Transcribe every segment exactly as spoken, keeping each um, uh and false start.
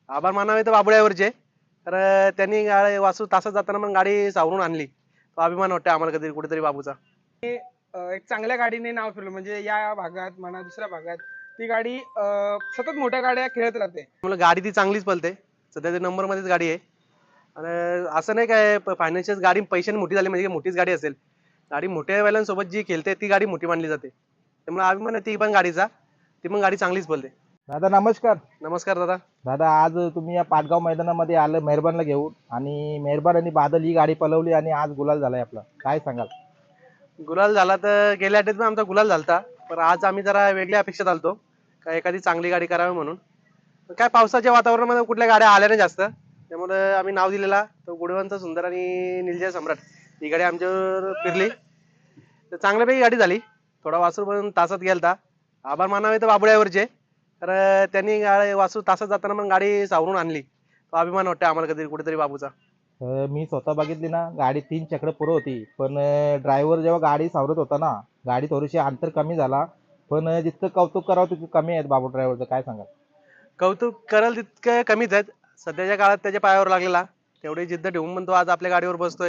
आभार मानावे तर बाबुळ्यावरचे. तर अं, त्यांनी गाडी वासरू तासात जाताना मग गाडी सावरून आणली. तो अभिमान वाटतो आम्हाला कधी कुठेतरी बाबूचा. अ, एक चांगल्या गाडीने नाव फिरवलं म्हणजे या भागात म्हणा दुसऱ्या भागात ती गाडी अ, सतत मोठ्या गाड्या खेळत राहते. मला गाडी ती चांगलीच पळते. सध्या ते नंबर मध्येच गाडी आहे. आणि असं नाही काय फायनान्शियल गाडी पैशाने मोठी झाली म्हणजे मोठीच गाडी असेल. गाडी मोठ्या बैलांसोबत जी खेळते ती गाडी मोठी मानली जाते. त्यामुळे अभिमान आहे ती पण गाडीचा. ती पण गाडी चांगलीच पळते. दादा नमस्कार. नमस्कार दादा. दादा आज तुम्ही या पाटगाव मैदानामध्ये आलं मेहरबानला घेऊन आणि मेहरबान आणि बादल ही गाडी पलवली आणि आज गुलाल झालाय आपला, काय सांगाल? गुलाल झाला तर गेल्या आठवड्यात पण आमचा गुलाल झालता. पण आज आम्ही जरा वेगळ्या अपेक्षेत आलतो. का एखादी चांगली गाडी करावी म्हणून. पण काय पावसाच्या वातावरणामध्ये कुठल्या गाड्या आल्या नाही जास्त. त्यामुळे आम्ही नाव दिलेला तो गुडवंत सुंदर आणि निलजय सम्राट ही गाडी आमच्यावर फिरली. तर चांगल्यापैकी गाडी झाली. थोडा वासरू पण तासात गेलता. आभार मानावे तर बाबुळ्यावरचे. तर अं, त्यांनी गाडी वासरू तासात जाताना मग गाडी सावरून आणली. तो अभिमान वाटतो आम्हाला कधी कुठेतरी बाबूचा. अं, मी स्वतः बघितली ना, गाडी तीन चक्र पुढं होती, पण ड्रायव्हर जेव्हा गाडी सावरत होता ना, गाडी थोडीशी अंतर कमी झाला, पण अं, जितकं कौतुक करावं तितकं कमी आहेत बाबू ड्रायव्हरचं, काय सांगाल? कौतुक कराल तितकं कमीच आहेत. सध्याच्या काळात त्याच्या पायावर लागलेला तेवढी जिद्द ठेवून पण तो आज आपल्या गाडीवर बसतोय.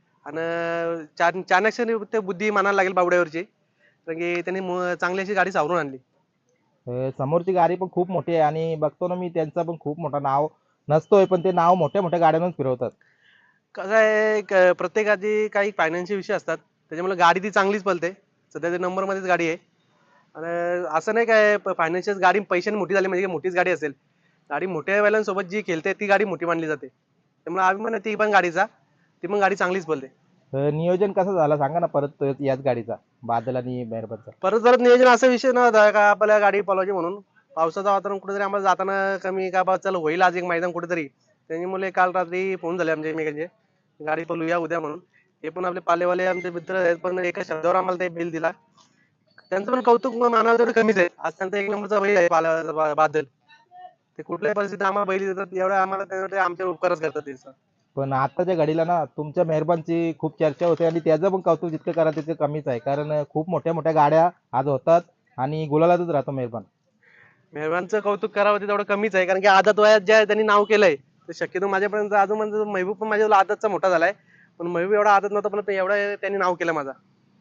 आणि चार चाणक्य ते बुद्धी मानायला लागेल बावड्यावरची. कारण की त्यांनी मु- चांगली अशी गाडी सावरून आणली. अं, समोरची गाडी पण खूप मोठी आहे आणि बघतो ना मी त्यांचं पण खूप मोठं नाव नसतोय, पण ते नाव मोठ्या मोठ्या गाड्यांवरच फिरवतात. कसं आहे क- प्रत्येकाची काही फायनान्शियल विषय असतात. त्याच्यामुळे गाडी ती चांगलीच पळते. सध्या ते नंबर मध्येच गाडी आहे. आणि असं नाही काय फायनान्शियल गाडी पैशाने मोठी झाली म्हणजे मोठीच गाडी असेल. गाडी मोठ्या बैलांसोबत जी खेळते ती गाडी मोठी मानली जाते. त्यामुळे अभिमान आहे ती पण गाडीचा. ती पण गाडी चांगलीच पळते. अं, नियोजन कसं झालं सांगा ना परत तो याच गाडीचा, बादल आणि मेहरबानचा. परत जर नियोजन असा विषय नव्हता का आपल्याला गाडी पळवायची म्हणून. पावसाचं वातावरण कुठेतरी आम्हाला जाताना कमी का बा चल होईल आज एक मैदान कुठेतरी. त्यांनी मुले काल रात्री फोन झाले आमच्या एकमेकांचे. गाडी पळूया उद्या म्हणून. हे पण आपले पालेवाले आमचे मित्र आहेत पण एका शब्दावर आम्हाला ते बिल दिला. त्यांचं पण कौतुक मानावं तेवढं कमीच आहे. आज त्यांचा एक नंबरचा बैल आहे पाला बा- बादल. ते कुठल्याही परिस्थितीत आम्हाला बैल देतात एवढं आम्हाला ते आमच्या उपकारच करतात त्यांचा. पण आत्ताच्या घडीला ना तुमच्या मेहरबानची खूप चर्चा होते आणि त्याचं पण कौतुक जितकं करा तितकं कमीच आहे, कारण अं, खूप मोठ्या मोठ्या गाड्या आज होतात आणि गुलालातच राहतो मेहरबान. मेहरबानचं कौतुक करावं ते तेवढं कमीच आहे कारण की आदत वयात ज्या त्यांनी नाव केलंय ते शक्यतो माझ्यापर्यंत अजून म्हणजे महबूब पण माझ्या आदतचा मोठा झालाय. पण महबूब एवढा आदत नव्हता पण एवढा त्यांनी नाव केलं माझा.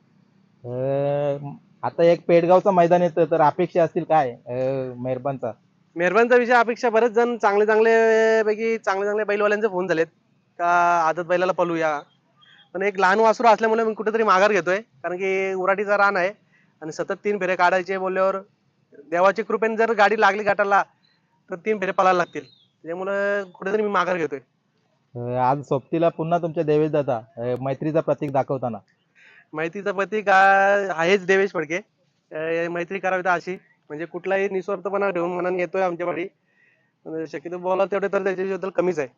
अं, आता एक पेडगावचं मैदान येतं तर अपेक्षा असतील काय अं, मेहरबानचा? मेहरबानचा विषय अपेक्षा बरेच जण चांगले चांगले पैकी चांगले चांगले बैलवाल्यांचे फोन झालेत का आदत बैलाला पळूया. पण एक लहान वासरू असल्यामुळे मी कुठेतरी माघार घेतोय कारण की उराटीचा रान आहे. आणि सतत तीन फेरे काढायचे बोलल्यावर देवाची कृपेने जर गाडी लागली गाठाला तर तीन फेरे पळायला लागतील. त्यामुळे कुठेतरी मी माघार घेतोय. अं, आज सोबतीला पुन्हा तुमच्या देवेश दादा अं, मैत्रीचा प्रतीक दाखवताना. मैत्रीचा पती का आहेच देवेश फडके. अं, मैत्री करावी तर अशी म्हणजे कुठलाही निस्वार्थपणा ठेवून मनाने येतोय आमच्या पाठी. पण शक्यतो बोला तेवढे तर त्याच्याबद्दल कमीच आहे.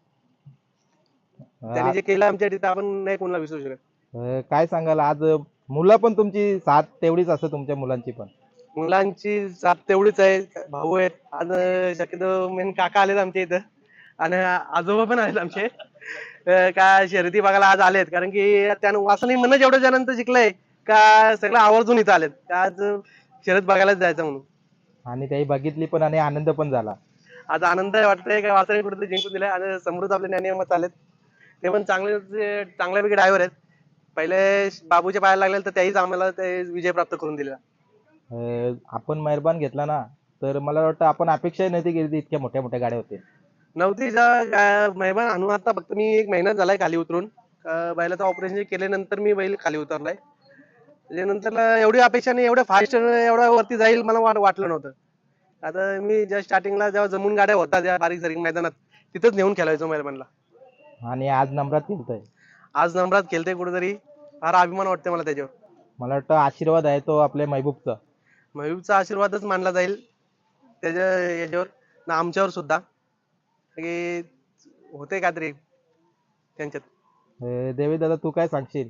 अं, त्यांनी जे केलं आमच्या तिथं आपण नाही कोणाला विसरू शकत. अं, काय सांगाल आज मुलं पण तुमची साथ तेवढीच असते तुमच्या मुलांची पण. मुलांची साथ तेवढीच आहे. भाऊ आहेत आज अं, शक्यतो मेन काका आलेत आमच्या इथं. आणि आजोबा पण आहेत आमचे. अं, का शर्यती बघायला आज आलेत कारण की त्यानं वासनी म्हणून एवढ्या जणांचं जिंकलंय का सगळं आवर्जून इथं आलेत का आज शर्यत बघायलाच जायचं म्हणून. आणि त्याही बघितली पण आणि आनंद पण झाला. आज आनंद वाटतंय का वासरे कुठेतरी जिंकून दिले आणि समृद्ध आपले ज्ञानी चालेत. ते पण चांगले चांगल्यापैकी ड्रायव्हर आहेत. पहिले बाबूच्या पायाला लागले तर त्याहीच आम्हाला ते विजय प्राप्त करून दिला. अं, आपण मेहरबान घेतला ना, तर मला वाटतं आपण अपेक्षाही नव्हती केली इतक्या मोठ्या मोठ्या गाड्या होतील. नवतीचा मेहमान आणून आता फक्त मी एक महिना झालाय खाली उतरून. अं, बैलाचं ऑपरेशन केल्यानंतर मी बैल खाली उतरलाय. त्याच्यानंतर एवढी अपेक्षा नाही एवढं फास्ट एवढ्या वरती जाईल मला वाट- वाटलं नव्हतं. आता मी जस्ट स्टार्टिंगला जेव्हा जमून गाड्या होतात त्या बारीक सारीक मैदानात तिथंच नेऊन खेळायचो मेहरबानला. आणि आज नंबरात खेळतोय. आज नंबरात खेळते कुठेतरी फार अभिमान वाटते मला त्याच्यावर. मला वाटतं आशीर्वाद आहे तो आपल्या महबूबचा. महबूबचा आशीर्वादच मानला जाईल त्याच्या याच्यावर ना आमच्यावर सुद्धा की होते काहीतरी त्यांच्यात. अं, देवी दादा तू काय सांगशील?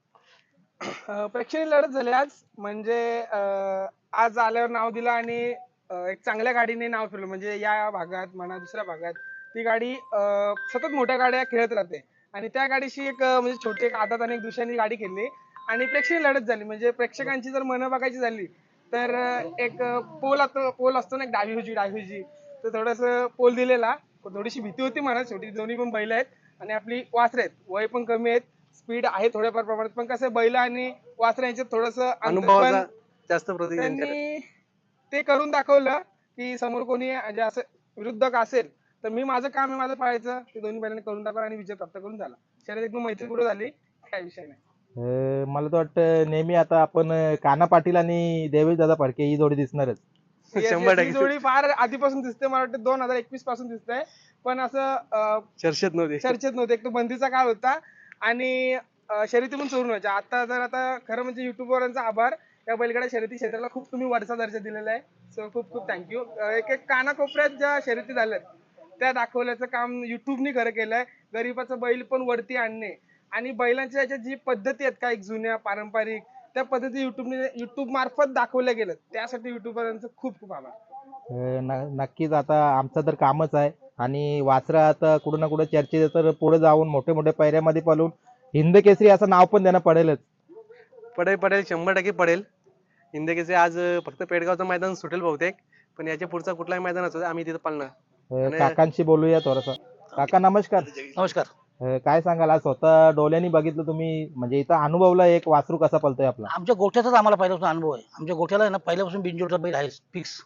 अ, प्रेक्षणीय लढत झाली आज म्हणजे अ, आज आल्यावर नाव दिलं आणि अ, एक चांगल्या गाडीने नाव फिरवलं म्हणजे या भागात म्हणा दुसऱ्या भागात ती गाडी अ, सतत मोठ्या गाड्या खेळत राहते. आणि त्या गाडीशी एक अ, म्हणजे छोटी एक आदत आणि एक दुसऱ्यानी गाडी खेळली आणि प्रेक्षणीय लढत झाली म्हणजे प्रेक्षकांची जर मनं बघायची झाली तर अ, एक पोल पोल असतो ना एक डावी उजवी डावी उजवी तर थोडस पोल दिलेला थोडीशी भीती होती मला, शेवटी दोन्ही पण बैल आहेत आणि आपली वासरे आहेत, वय पण कमी आहेत, स्पीड आहे थोड्याफार प्रमाणात, पण कसं बैल आणि वासरे यांच्यात थोडस अनुभवाचा जास्त प्रतीक त्यांच्याकडे. त्यांनी ते करून दाखवलं की समोर कोणी म्हणजे असं विरुद्धक असेल तर मी माझं काम आहे माझं पाहायचं, ते दोन्ही बैलांनी करून दाखवलं आणि विजय प्राप्त करून झाला. शर्यत एकदम मैत्रीपूर्ण झाली, काय विषय नाही. अं, मला तर वाटतं नेहमी आता आपण अं, काना पाटील आणि देवेश दादा फडके ही जोडी दिसणारच. Yes, शंभर yes, ही टक्के. जोडी फार आधीपासून दिसते, मला वाटतं दोन हजार एकवीस पासून दिसतंय, पण असं अं, चर्चेत नव्हते. चर्चेत नव्हते. एक तो बंदीचा काळ होता आणि अं, शर्यती पण चोरून व्हायच्या. आता जर आता खरं म्हणजे युट्यूबवरांचा आभार, या बैलगाडा शर्यती क्षेत्राला खूप तुम्ही वरचा दर्जा दिलेला आहे, सो खूप खूप थँक्यू. एक एक कानाकोपऱ्यात ज्या शर्यती झाल्यात त्या दाखवल्याचं काम युट्यूबनी खरं केलंय. गरीबाचं बैल पण वरती आणणे आणि बैलांच्या याच्या जी पद्धती आहेत काही जुन्या पारंपरिक, त्या पद्धती युट्यूबने युट्यूब मार्फत दाखवल्या गेल्या, त्यासाठी युट्यूबरांचं खूप खूप आभार. अं, न- नक्कीच आता आमचं तर कामच आहे आणि वासरा आता कुठं ना कुठं चर्चेत आहे, तर पुढे जाऊन मोठे मोठे पैऱ्यामध्ये पळून हिंद केसरी असं नाव पण त्यांना पडेलच. पडेल पडेल शंभर टक्के पडेल. हिंदकेसरी आज अं, फक्त पेडगावचं मैदान सुटेल बहुतेक, पण याच्या पुढचा कुठलाही मैदान असू दे, आम्ही तिथं पाळणार. अं, आणि- काकांशी बोलूया थोडस. काका नमस्कार. नमस्कार. अं, काय सांगाल, आज स्वतः डोळ्यांनी बघितलं तुम्ही, म्हणजे इथं अनुभवला एक वासरू कसा पळतोय आपला, आमच्या गोठ्याचाच आम्हाला पहिल्यापासून अनुभव आहे. आमच्या गोठ्याला आहे ना पहिल्यापासून बिनजोडचा बैल आहे फिक्स.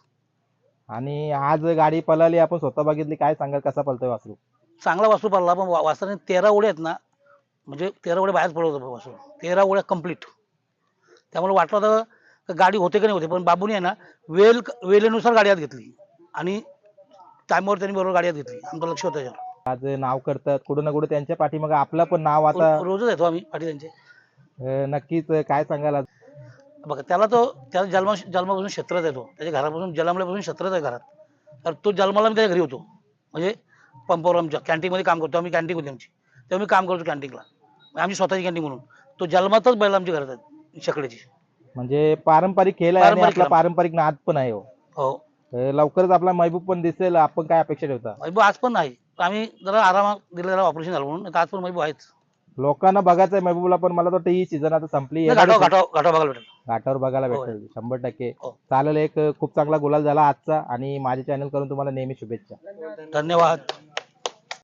आणि आज गाडी पळाली आपण स्वतः बघितली, काय सांगाल कसा पळतोय वासरू? चांगला वासरू पडला, पण वा- वासराने तेरा उड्या आहेत ना, म्हणजे तेरा उड्या बाहेर पडत होतं वासरू, तेरा उड्या कम्प्लीट. त्यामुळे वाटलं होतं का गाडी होते का नाही होते, पण बाबूने आहे ना वेल वेळेनुसार गाडी आत घेतली आणि टायमावर त्यांनी बरोबर गाडी आत घेतली. आमचं लक्ष होतं त्याच्यावर. आज नाव करतात कुठं ना कुठं त्यांच्या पाठीमागे आपलं पण नाव आता. रो- रोजच येतो आम्ही पाठी त्यांचे. अं, नक्कीच काय सांगाल आज? बघा त्याला तो त्याला जन्मा जन्मापासून क्षेत्रात येतो, त्याच्या घरापासून जन्मल्यापासून क्षेत्रात आहे घरात. तर तो जन्माला मी त्याच्या घरी होतो, म्हणजे पंपावर आमच्या कॅन्टीनमध्ये काम करतो आम्ही, कॅन्टीन होती आमची, तेव्हा मी काम करतो कॅन्टीनला, आमची स्वतःची कॅन्टीन म्हणून. तो जन्मातच बैल आमच्या घरात आहेत शेकड्याची. म्हणजे पारंपरिक खेळ आहे आणि पारंपरिक आपला खेळ. पारंपरिक नाद पण आहे हो. हो, अं, लवकरच आपला महबूब पण दिसेल, आपण काय अपेक्षा ठेवता? महबूब आज पण नाही, आम्ही जरा आरामात दिलेला ऑपरेशन झालं म्हणून, नाही तर आज पण महबूब आहेच. लोकांना बघायचंय महबूबला, पण मला तर वाटतं ही सीझन आता संपली, नाही, घाटावर घाटावर घाटावर बघायला भेटेल. घाटावर बघायला होय. भेटेल शंभर टक्के. हो. चालेल, एक खूप चांगला गुलाल झाला आजचा आणि माझ्या चॅनल करून तुम्हाला नेहमी शुभेच्छा. धन्यवाद.